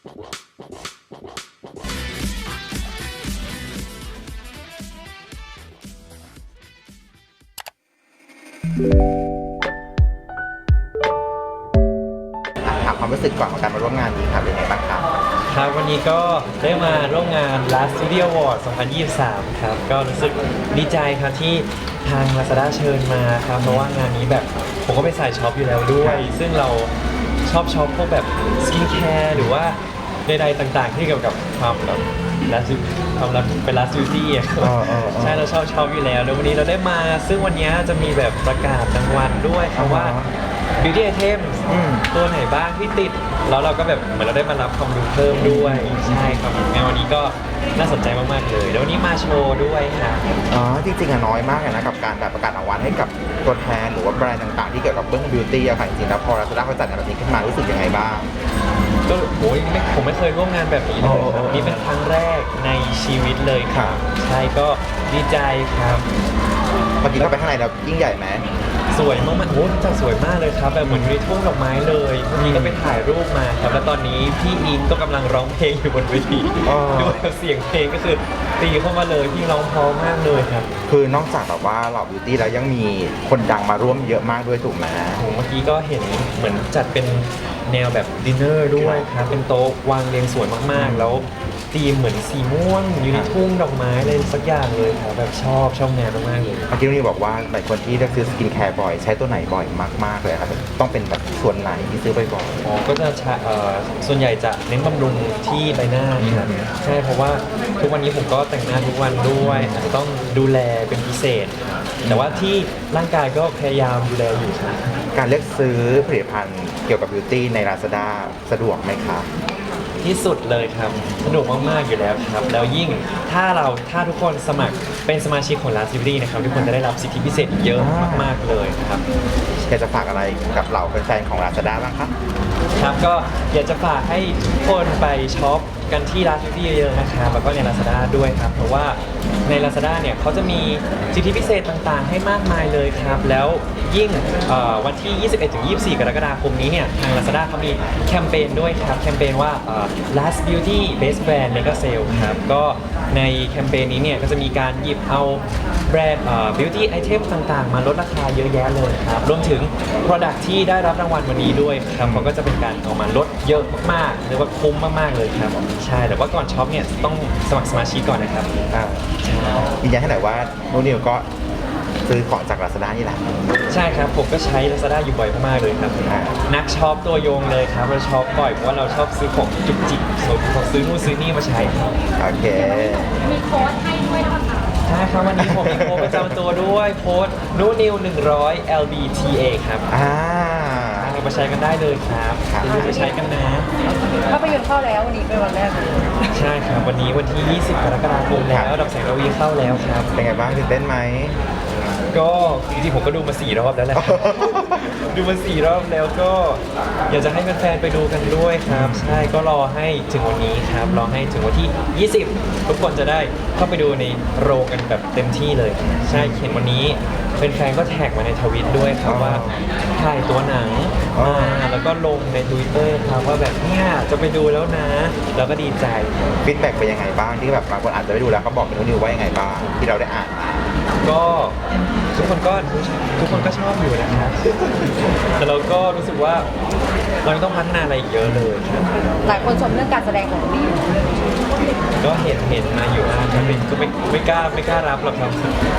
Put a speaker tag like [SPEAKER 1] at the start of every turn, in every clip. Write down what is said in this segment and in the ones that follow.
[SPEAKER 1] ถามความรู้สึกก่อนของการมาร่วมงานนี้ครับเป็นไงบ้างครับ
[SPEAKER 2] ครับวันนี้ก็ได้มาร่วมงาน Last Studio Award 2023 ครับก็รู้สึกดีใจครับที่ทาง Lazada เชิญมาครับเพราะว่างานนี้แบบผมก็เป็นสายช็อปอยู่แล้วด้วย ซึ่งเราชอบช็อปพวกแบบสกินแคร์หรือว่าใดๆต่างๆที่เกี่ยวกับความแบบความรักเป็น Last Beauty อ่ะใช่เราชอบช็อปอยู่แล้วแล้ววันนี้เราได้มาซึ่งวันนี้จะมีแบบประกาศรางวัลด้วยครับว่า Beauty Item ตัวไหนบ้างที่ติดแล้วเราก็แบบเหมือนเราได้มารับความรู้เพิ่มด้วยใช่ครับงานวันนี้ก็น่าสนใจมากๆเลยแล้ววันนี้มาโชว์ด้วยครับ
[SPEAKER 1] อ๋อจริงๆอะน้อยมากเลยนะกับการแบบประกาศรางวัลให้กับตัวแทนหรือว่าแบรนด์ต่างๆที่เกี่ยวกับเรื่องบิวตี้อะค่ะจริงๆแล้วพอ Lazada เขาจัดงานแบบนี้ขึ้นมารู้สึกยังไงบ้าง
[SPEAKER 2] ก็โอ้ยผมไม่เคยร่วมงานแบบนี้เลยครับนี่เป็นครั้งแรกในชีวิตเลยครับใช่ก็ดีใจครับ
[SPEAKER 1] เมื่อกี้เข้าไปข้างในแล้วยิ่งใหญ่ไหม
[SPEAKER 2] สวยมากๆโอ้จัดสวยมากเลยครับแบบเหมือนมีทุ่งดอกไม้เลยเมื่อกี้ก็ไปถ่ายรูปมาครับแล้วตอนนี้พี่อิงก็กำลังร้องเพลงอยู่บนเวทีด้วยเสียงเพลงก็คือตีเข้ามาเลยพี่ร้องเพราะมากเลยครับ
[SPEAKER 1] คือนอกจากแบบว่าเหล่าบิวตี้แล้วยังมีคนดังมาร่วมเยอะมากด้วยถูกไหม
[SPEAKER 2] เมื่อกี้ก็เห็นเหมือนจัดเป็นแนวแบบดินเนอร์ด้วยครับเป็นโต๊ะวางเรียงสวยมากๆแล้วธีมเหมือนสีม่วงอยู่ในทุ่งดอกไม้อะไรสักอย่างเลยครับแบบชอบงานมากๆเลย
[SPEAKER 1] เมื่อกี้นี่บอกว่าหลายคนที่เลือกซื้อสกินแคร์บ่อยใช้ตัวไหนบ่อยมากๆเลยครับต้องเป็นแบบส่วนไหนที่ซื้อบ่อย
[SPEAKER 2] ก็จะส่วนใหญ่จะเน้นบำรุงที่ใบหน้าครับใช่เพราะว่าทุกวันนี้ผมก็แต่งหน้าทุกวันด้วยอาจจะต้องดูแลเป็นพิเศษแต่ว่าที่ร่างกายก็พยายามดูแลอยู่ครับ
[SPEAKER 1] การเลือกซื้อผลิตภัณฑ์เกี่ยวกับบิวตี้ใน Lazada สะดวกไหมครับ
[SPEAKER 2] ที่สุดเลยครับสนุกมากๆอยู่แล้วครับแล้วยิ่งถ้าทุกคนสมัครเป็นสมาชิกของ Last Beauty นะครับทุกคนจะได้รับสิทธิพิเศษเยอะมากๆเลยครับ
[SPEAKER 1] อยากจะฝากอะไรกับเหล่าแฟนๆของ Lazada บ้างครับ
[SPEAKER 2] ครับก็อยากจะฝากให้ทุกคนไปช็อปกันที่ Last Beauty เยอะๆนะครับแล้วก็ใน Lazada ด้วยครับเพราะว่าใน Lazada เนี่ยเขาจะมีสิทธิพิเศษต่างๆให้มากมายเลยครับแล้วยิ่งวันที่ 21-24 กรกฎาคมนี้เนี่ยทาง Lazada เขามีแคมเปญด้วยครับแคมเปญว่าLast Beauty Best Brand Mega Sale ครับก็ในแคมเปญนี้เนี่ยก็จะมีการหยิบเอาแบรนด์Beauty Item ต่างๆมาลดราคาเยอะแยะเลยครับรวมถึง Product ที่ได้รับรางวัลวันนี้ด้วยครับเขาก็จะเป็นการเอามาลดเยอะมากๆหรือว่าคุ้มมากๆเลยครับใช่แต่ว่าก่อนช็อปเนี่ยต้องสมัครสมาชิกก่อนนะครับ
[SPEAKER 1] ยืนยันให้หน่อยว่านูนิวก็ซื้อของจาก Lazada นี่แหละ
[SPEAKER 2] ใช่ครับผมก็ใช้ Lazada อยู่บ่อยมากๆเลยครับนักช็อปตัวยงเลยครับเราช็อปบ่อยเพราะว่าเราชอบซื้อของจุกจิกของซื้อนู่นซื้อนี่มาใช้ครับ
[SPEAKER 1] โอเค
[SPEAKER 3] มีโค้ดให้ด้วยนะคะ
[SPEAKER 2] ใช่ครับวันนี้ผมมีโค้ดประจำตัวด้วยโค้ดนูนิว100 LBTA ครับมาใช้กันได้เลยครับอย่าลืมไปใช้กันนะ
[SPEAKER 3] ภาพยนตร์เข้าแล้ววันนี้เป็นวันแรก
[SPEAKER 2] ใช่ครับวันนี้วันที่ 20 กรกฎาคมแล้วดอกแสงระวีเข้าแล้วครับ
[SPEAKER 1] เป็นไงบ้างตื่นเต้นไหม
[SPEAKER 2] ก็จริงๆผมก็ดูมา4 รอบแล้วแหละดูมา4 รอบแล้วก็อยากจะให้แฟนๆไปดูกันด้วยครับใช่ก็รอให้ถึงวันนี้ครับรอให้ถึงวันที่ 20ทุกคนจะได้เข้าไปดูในโรงกันแบบเต็มที่เลยใช่เห็นวันนี้แฟนๆก็แท็กมาในทวิตด้วยครับว่าถ่ายตัวหนังมาแล้วก็ลงใน Twitter ครับว่าแบบเนี่ยจะไปดูแล้วนะแล้วก็ดีใจ
[SPEAKER 1] ฟีดแบ็กเป็นยังไงบ้างที่แบบบางคนอาจจะไม่ดูแล้วเขาบอกเป็นนิวว่ายังไงบ้างที่เราได้อ่านมา
[SPEAKER 2] ก็ทุกคนก็ชอบอยู่นะครับแต่เราก็รู้สึกว่าเราต้องพัฒนาอะไรอีกเยอะเลยครับ
[SPEAKER 3] หลายคนชมเรื่องการแสดงของพี่
[SPEAKER 2] ก็เห็นมาอยู่นะแต่ก็ไม่กล้ารับหรอกครับ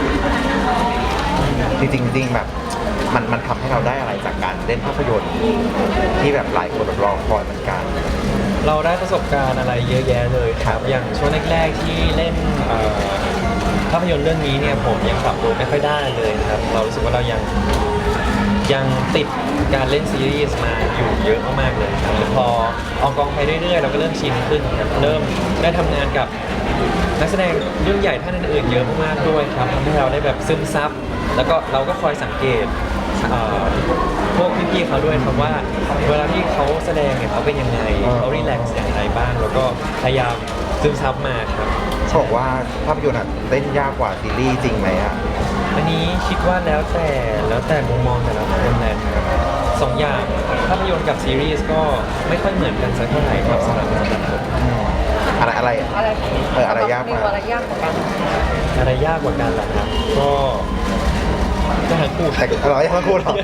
[SPEAKER 1] จริงแบบมันทำให้เราได้อะไรจากการเล่นภาพยนตร์ที่แบบหลายคนรอคอยเหมือนกัน
[SPEAKER 2] เราได้ประสบการณ์อะไรเยอะแยะเลยครับอย่างช่วงแรกๆที่เล่นภาพยนตร์เรื่องนี้เนี่ยผมยังปรับตัวไม่ค่อยได้เลยครับเรารู้สึกว่าเรายังติดการเล่นซีรีส์มาอยู่เยอะมากๆเลยครับพอออกกองไปเรื่อยๆเราก็เริ่มชินขึ้นครับเริ่มได้ทำงานกับนักแสดงรุ่นใหญ่ท่านอื่นๆเยอะมากๆด้วยครับทำให้เราได้แบบซึมซับแล้วก็เราก็คอยสังเกตพวกพี่ๆเขาด้วยครับว่าเวลาที่เขาแสดงเนี่ยเขาเป็นยังไงเขารีแลกซ์อย่างไรบ้างแล้วก็พยายามซึมซับมาครับ
[SPEAKER 1] บอกว่าภาพยนตร์เต้นยากกว่าซีรีส์จริงไหมอ่ะ
[SPEAKER 2] อันนี้คิดว่าแล้วแต่มุมมองแต่ละคนนะครับ2 อย่างภาพยนตร์กับซีรีส์ก็ไม่ค่อยเหมือนกันสักเท่าไหร่ครับสำหรับเรา
[SPEAKER 1] อะไร
[SPEAKER 3] อะไร
[SPEAKER 1] อะไรยาก
[SPEAKER 3] นิ
[SPEAKER 1] มาว
[SPEAKER 3] อะไรยากกว่ากัน
[SPEAKER 2] อะไรยากกว่ากันล่ะครับก็ทั้งคู่
[SPEAKER 1] แต่เรายังไม่พูดหรอ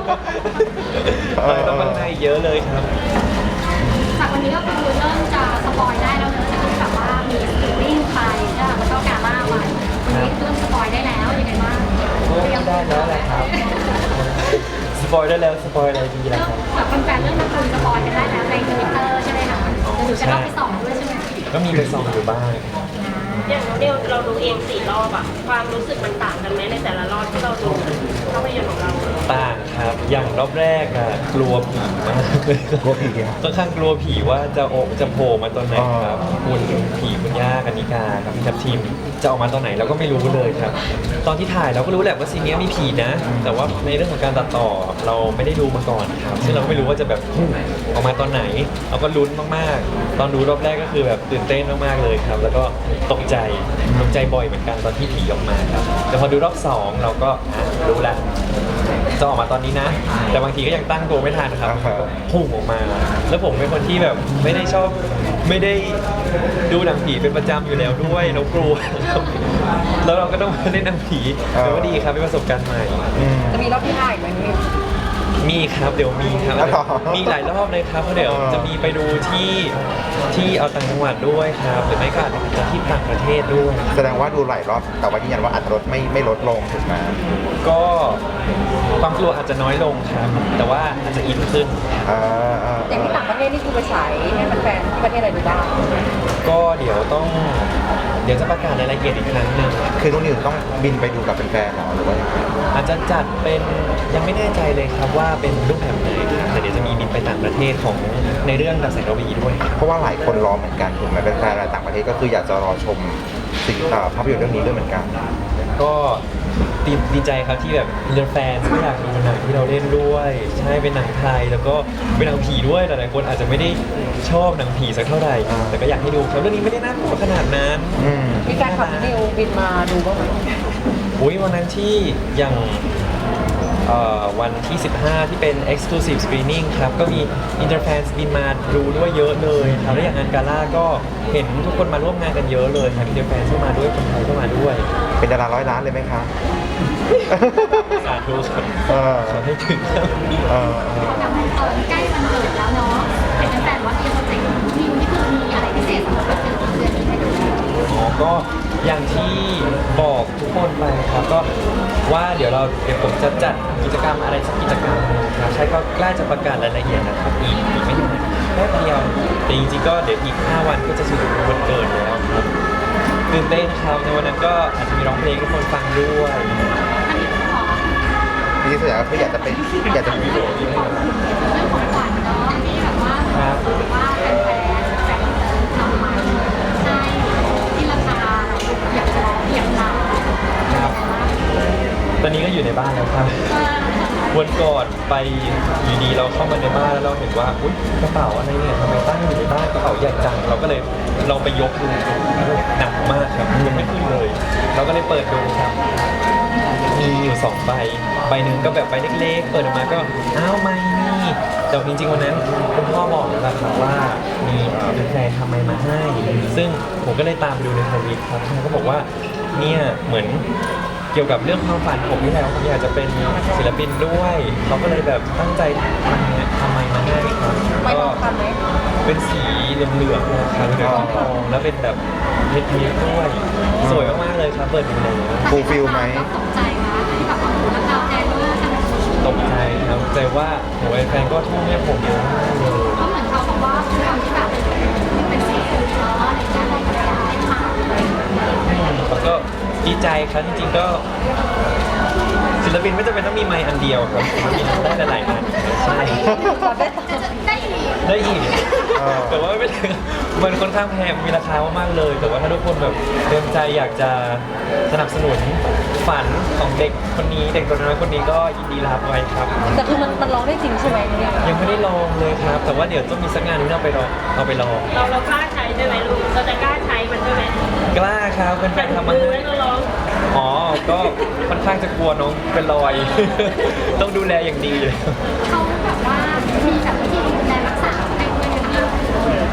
[SPEAKER 2] ต้องข้างในเยอะเลยครับ
[SPEAKER 4] จากวันนี้ก็คือเริ่มจะสปอยได้แล้วเนอะจากที่แบบว่ามีสตรีมมิ่งไปใช่ไหมแล้วก็กาล่าไว้วันนี้เริ่มสปอยได้แล้วยังไงบ้าง
[SPEAKER 2] ก็ได้แล้วแหละครับ สปอยได้แล้ว สปอยอะไรดีล่ะ
[SPEAKER 4] เริ่
[SPEAKER 2] ค
[SPEAKER 4] ม
[SPEAKER 2] รับ
[SPEAKER 4] แบบแฟนๆเริ่มมาคุยสปอยกันได้แล้วในทวิตเตอร์ใช่ไหมคะเดี๋ยวหนูจะต้องไปส่องด้วยใช่ไหม
[SPEAKER 2] ก็มีไปส่องอยู่บ้าง
[SPEAKER 5] อย่างน้องเดียวเราดูเอง4 รอบอะความรู้สึกมันต่างกันไหมในแต่ละรอบที่เราดูภาพยนตร์ของเรา
[SPEAKER 2] ต่างครับ อย่างรอบแรกอะกลัวผีมากเลย
[SPEAKER 1] กลัวผีอะ
[SPEAKER 2] ค่อนข้างกลัวผีว่าจะโผล่มาตอนไหนครับคุณผีคุณย่ากันนิกาครับพี่ทัพทีมจะออกมาตอนไหนเราก็ไม่รู้เลยครับ ตอนที่ถ่ายเราก็รู้แหละว่าซีนนี้มีผีนะ แต่ว่าในเรื่องของการตัดต่อเราไม่ได้ดูมาก่อนครับซึ่งเราก็ไม่รู้ว่าจะแบบออกมาตอนไหน เราก็ลุ้นมากๆ ตอนดูรอบแรกก็คือแบบตื่นเต้นมากๆเลยครับ แล้วก็ตกใจบ่อยเหมือนกันตอนที่ผีออกมาครับแต่พอดูรอบสองเราก็รู้แล้วจะออกมาตอนนี้นะ แต่บางทีก็ยังตั้งตัวไม่ทันครับพุ่งออกมา แล้วผมเป็นคนที่แบบไม่ได้ดูหนังผีเป็นประจำอยู่แล้วด้วยเรากลัวแล้วเราก็ต้องมาเล่นหนังผีแต่ว่าดีครับเป็นประสบการณ์ใหม่
[SPEAKER 3] จะมีรอบที่5อีกไหมนี่
[SPEAKER 2] มีครับเดี๋ยวมีครับมีหลายรอบเลยครับเพราะเดี๋ยวจะมีไปดูที่เอาต่างจังหวัดด้วยครับหรือไม่ก็อาจจะที่ต่างประเทศด้วย
[SPEAKER 1] แสดงว่าดูหลายรอบแต่ว่ายืนยันว่าอัตรสไม่ลดลงถูกไหม
[SPEAKER 2] ก็ความกลัวอาจจะน้อยลงครับ แต่ว่าอาจจะอินขึ้น
[SPEAKER 3] อย่างที่ต่างประเทศนี่คือไปฉายให้แฟนๆที่ประเทศอะไรดูบ้าง
[SPEAKER 2] ก็เดี๋ยวจะประกาศรายละเอียดอีกครั้งหนึ่ง
[SPEAKER 1] คือนุ่นนิวต้องบินไปดูกับแฟนๆเหรอหรือว่ายังไง
[SPEAKER 2] อาจจะจัดเป็นยังไม่แน่ใจเลยครับว่าเป็นรูปแบบไหนครับแต่เดี๋ยวจะมีบินไปต่างประเทศของในเรื่องดับแสงระวีด้วยครับ
[SPEAKER 1] เพราะว่าหลายคนรอเหมือนกันถูกไหมแฟนๆต่างประเทศก็คืออยากจะรอชมภาพยนตร์เรื่องนี้ด้วยเหมือนกัน
[SPEAKER 2] ก็ดีใจครับที่แบบมีแฟนที่อยากดูหนังที่เราเล่นด้วยใช่เป็นหนังไทยแล้วก็เป็นหนังผีด้วยหลายๆคนอาจจะไม่ได้ชอบหนังผีสักเท่าไหร่แต่ก็อยากให้ดูครับเรื่องนี้ไม่ได้น่ากลัวขนาดนั้น
[SPEAKER 3] มีแฟนคลับนิวบินมาดูบ้างไหม
[SPEAKER 2] อุ้ยวันนั้นที่อย่างวันที่ 15 ที่เป็น exclusive screening ครับก็มีอินเตอร์แฟนบินมาดูด้วยเยอะเลยครับแล้วอย่างงานกาล่าก็เห็นทุกคนมาร่วมงานกันเยอะเลยครับอินเตอร์แฟนก็มาด้วยคนไทยก็มาด้วย
[SPEAKER 1] เป็นดารา100 ล้านเลยไหมคะ
[SPEAKER 2] สาธุครับ
[SPEAKER 1] เออ
[SPEAKER 2] ขอให้ถึงครับ
[SPEAKER 4] แบบใกล้วันเกิดแล้วเนาะเห็นแฟนๆว่าที่โปรเจกต์นิวนี่คือมีอะไรพิเศษสำหรับวันเกิดของเดือนนี้ให้ดู
[SPEAKER 2] อ๋อก็อย่างที่บอกทุกคนไปครับก็ว่าเดี๋ยวผมจะจัดกิจกรรมอะไรสักกิจกรรมหนึ่งครับใช่ก็ใกล้จะประกาศรายละเอียดนะครับอีกไม่นานแค่เดียวแต่จริงๆก็เดี๋ยวอีก 5 วันก็จะถึงวันเกิดแล้วครับตื่นเต้นครับในวันนั้นก็อาจจะมีร้องเพลงให้ทุกคนฟังด้วย
[SPEAKER 4] อันนี้ขอ
[SPEAKER 1] ทีนี้ส่วนใหญ่ก็คืออยากจะ
[SPEAKER 4] เรื่องของขวัญเนาะที่แบบว่าว่าแฟนๆทำมาให้ที่ราคาอยากจะลองเทียบรา
[SPEAKER 2] ครับตอนนี้ก็อยู่ในบ้านแล้วครับวันก่อนไปอยู่ดีเราเข้ามาในบ้านแล้วเราเห็นว่าอุ๊ยกระเป๋าอะไรเนี่ยทำไมตั้งอยู่ในบ้านกระเป๋าใหญ่จังเราก็เลยลองไปยกดูหนักมากครับยกไม่ขึ้นเลย เราก็เลยเปิดดูครับมีอยู่2ใบหนึ่งก็แบบใบเล็กๆเปิดออกมาก็อ้าวไม่นี่แต่จริงๆวันนั้นคุณพ่อบอกแล้วล่ะครับว่ามีแฟนทำไมมาให้ ซึ่งผมก็เลยตามไปดูในทวิตครับเขาก็บอกว่าเนี่ยเหมือนเกี่ยวกับเรื่องความฝันผมนี่แหละผมอยากจะเป็นศิลปินด้วยเขาก็เลยแบบตั้งใจทำไมมาให้ครับ
[SPEAKER 3] ไม่
[SPEAKER 2] ก็
[SPEAKER 3] ต้องทำไหม
[SPEAKER 2] เป็นสีเหลืองๆนะครับเหลืองทองแล้วเป็นแบบเพชรด้วย สวยมากๆเลยครับเปิดดูเลย
[SPEAKER 1] ฟูลฟิลไหม
[SPEAKER 4] ตกใจนะที่แบบว่าราคาแพงมากขนาดนี้
[SPEAKER 2] ตกใจครับใจว่าโหแฟนก็ทุ่มให้ผมเยอะมากเลย
[SPEAKER 4] ก็เหมือนเขาบอกว่าความที่แบบเป็นสีฟูเนาะอะไรอย่างเงี้ยได้กับการได้ผ่าน
[SPEAKER 2] แล้วก็ดีใจครับจริงๆก็ศิลปินไม่จำเป็นต้องมีไมค์อันเดียวครับศิลปินได้หลายๆอันใช่
[SPEAKER 4] ได้อีก
[SPEAKER 2] ได้อีก แต่ว่าไม่เป็นไรมันค่อนข้างแพงมีราคามากๆเลย แต่ว่าถ้าทุกคนแบบเต็มใจอยากจะสนับสนุนฝันของเด็กคนนี้เด็กตัวน้อยคนนี้ก็ยินดีรับไว้ครับ
[SPEAKER 3] แต่คือมันร้องได้จริงใช่ไหมเนี่ย
[SPEAKER 2] ยังไม่ได้ลองเลยครับ แต่ว่าเดี๋ยวต้องมีสักงานที่เราไปลอง
[SPEAKER 5] เรากล้าใช้ได้ไหมลูกเราจะกล้าใช้มันด้วยไหม
[SPEAKER 2] กล้าครับเป็นแฟนทำมา
[SPEAKER 5] มือ
[SPEAKER 2] ให้
[SPEAKER 5] ไว้เราลอง
[SPEAKER 2] อ๋อก็ค่อนข้างจะกลัวน้องเป็นรอย ต้องดูแลอย่างดีเลย
[SPEAKER 4] เขาแบบว่ามีแบบวิธีดูแลรักษาให้ด้วยนะคะ
[SPEAKER 2] จริงๆยัง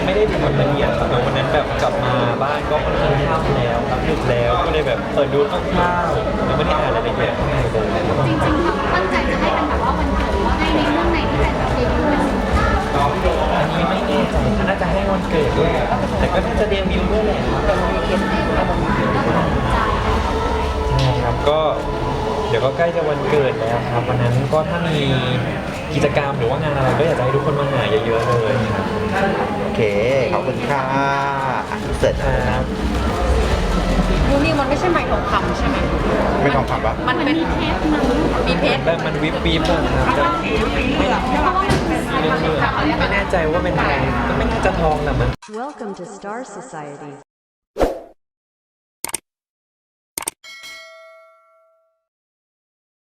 [SPEAKER 2] ไม่ได้ดูแบบละเอียดครับแต่วันนั้นแบบกลับมาบ้านก็ค่อนข้างค่ำแล้วครับดึกแล้วก็เลยแบบเปิดดูคร่าวๆยังไม่ได้อ่านรายละเอียดข้างในเลย
[SPEAKER 4] จริงๆเขาตั้งใจจะให้เป็นแบบว่าวันเกิดหรือว่าให้ในเรื่องในที่เป็นแบบเดบิวต์เป็น
[SPEAKER 2] อันนี้ไม่แน่ใจน่าจะให้วันเกิดด้วยแต่ก็น่าจะเดบิวต์ด้วยแหละใช่ครับก็เดี๋ยวก็ใกล้จะวันเกิดแล้วครับวันนั้นก็ถ้ามีกิจกรรมหรือว่างานอะไรก็อยากจะให้ทุกคนมาหาเยอะๆเลยครับ
[SPEAKER 1] โอเค ขอบคุณค่ะเสร็จแล้วนะ
[SPEAKER 3] มูนี่มันไม่ใช่ไม้ทองคำใช่ไหม
[SPEAKER 1] ไม่ต้องคำว่า
[SPEAKER 3] มันเป็นเพชรมีเพชร
[SPEAKER 2] แล้วมันวิบวิบอะครับไม่แน่ใจว่าเป็นอะไรก็ไม่น่าจะทองแหละมัน
[SPEAKER 6] Welcome to Star Society.